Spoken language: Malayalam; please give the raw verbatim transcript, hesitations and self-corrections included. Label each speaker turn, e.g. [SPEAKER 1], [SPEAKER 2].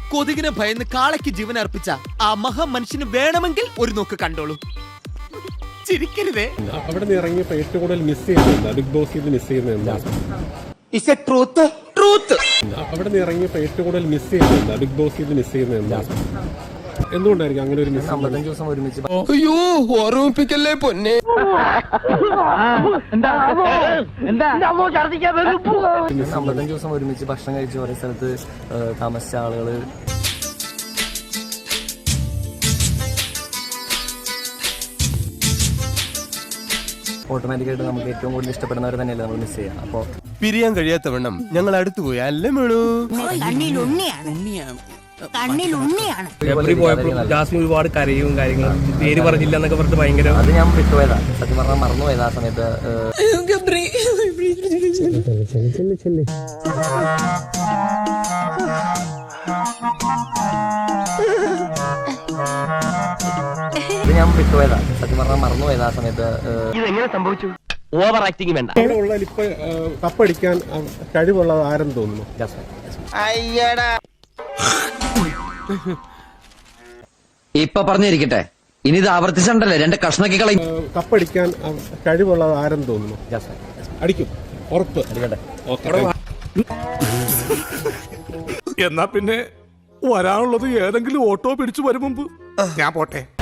[SPEAKER 1] കൊതുകിനെ ഭയന്ന് കാളയ്ക്ക് ജീവൻ അർപ്പിച്ച ആ മഹാമനുഷ്യന് വേണമെങ്കിൽ ഒരു നോക്ക് കണ്ടോളൂ. ചിരിക്കരുതേ.
[SPEAKER 2] അവിടെ നിന്ന് ഇറങ്ങിയപ്പോ ഏറ്റവും കൂടുതൽ മിസ് ചെയ്യുന്നത് ബിഗ് ബോസ് മിസ് ചെയ്യുന്നത് അവിടെ നിന്ന് ഇറങ്ങിയപ്പോ ഏറ്റവും കൂടുതൽ മിസ് ചെയ്യുന്നത് ബിഗ് ബോസ് മിസ് ചെയ്യുന്നത് എന്തുകൊണ്ടായിരിക്കും അങ്ങനെ ഒരു മിസ്?
[SPEAKER 3] അമ്പത്തഞ്ച് ദിവസം ഒരുമിച്ച്
[SPEAKER 4] അയ്യോ ഓർമ്മിപ്പിക്കല്ലേ പൊന്നെ.
[SPEAKER 3] അമ്പത്തഞ്ച് ദിവസം ഒരുമിച്ച് ഭക്ഷണം കഴിച്ച് ഓരോ സ്ഥലത്ത് താമസിച്ച ആളുകള് ഓട്ടോമാറ്റിക്കായിട്ട് നമുക്ക് ഏറ്റവും കൂടുതൽ ഇഷ്ടപ്പെടുന്നവർ തന്നെയല്ലേ നമ്മൾ മിസ് ചെയ്യാം. അപ്പോൾ
[SPEAKER 4] പിരിയാൻ കഴിയാത്തവണ്ണം ഞങ്ങൾ അടുത്തു പോയി അല്ലേ മേളൂ.
[SPEAKER 5] ജാസ്മിൻ ഒരുപാട് കരയും കാര്യങ്ങളും പേര് പറഞ്ഞില്ല എന്നൊക്കെ പറഞ്ഞിട്ട് ഭയങ്കര
[SPEAKER 3] അത് ഞാൻ വിട്ടുപോയതാ, സത്യം പറഞ്ഞാൽ മറന്നുപോയത് ആ സമയത്ത്. ഇത് ഞാൻ വിട്ടുപോയതാ, സത്യം പറഞ്ഞാൽ മറന്നുപോയത് ആ സമയത്ത്.
[SPEAKER 5] ഇതെങ്ങനെ സംഭവിച്ചു? ഓവർ ആക്ടിങ് വേണ്ട.
[SPEAKER 2] അവിടെ ഉള്ള ഇപ്പൊ കപ്പടിക്കാൻ കഴിവുള്ളത് ആരെന്ന് തോന്നുന്നു?
[SPEAKER 3] ജാസ്മിൻ.
[SPEAKER 6] ഇപ്പൊ പറഞ്ഞിരിക്കട്ടെ, ഇനി ഇത് ആവർത്തിച്ചണ്ടല്ലേ രണ്ട് കഷ്ണക്കി കളയും.
[SPEAKER 2] കപ്പടിക്കാൻ കഴിവുള്ളത് ആരെന്ന് തോന്നുന്നു?
[SPEAKER 3] ജാസ്മിൻ.
[SPEAKER 2] അടിക്കും, ഉറപ്പ്.
[SPEAKER 3] അടിക്കട്ടെ.
[SPEAKER 7] എന്നാ പിന്നെ വരാനുള്ളത് ഏതെങ്കിലും ഓട്ടോ പിടിച്ചു വരും മുമ്പ് ഞാൻ പോട്ടെ.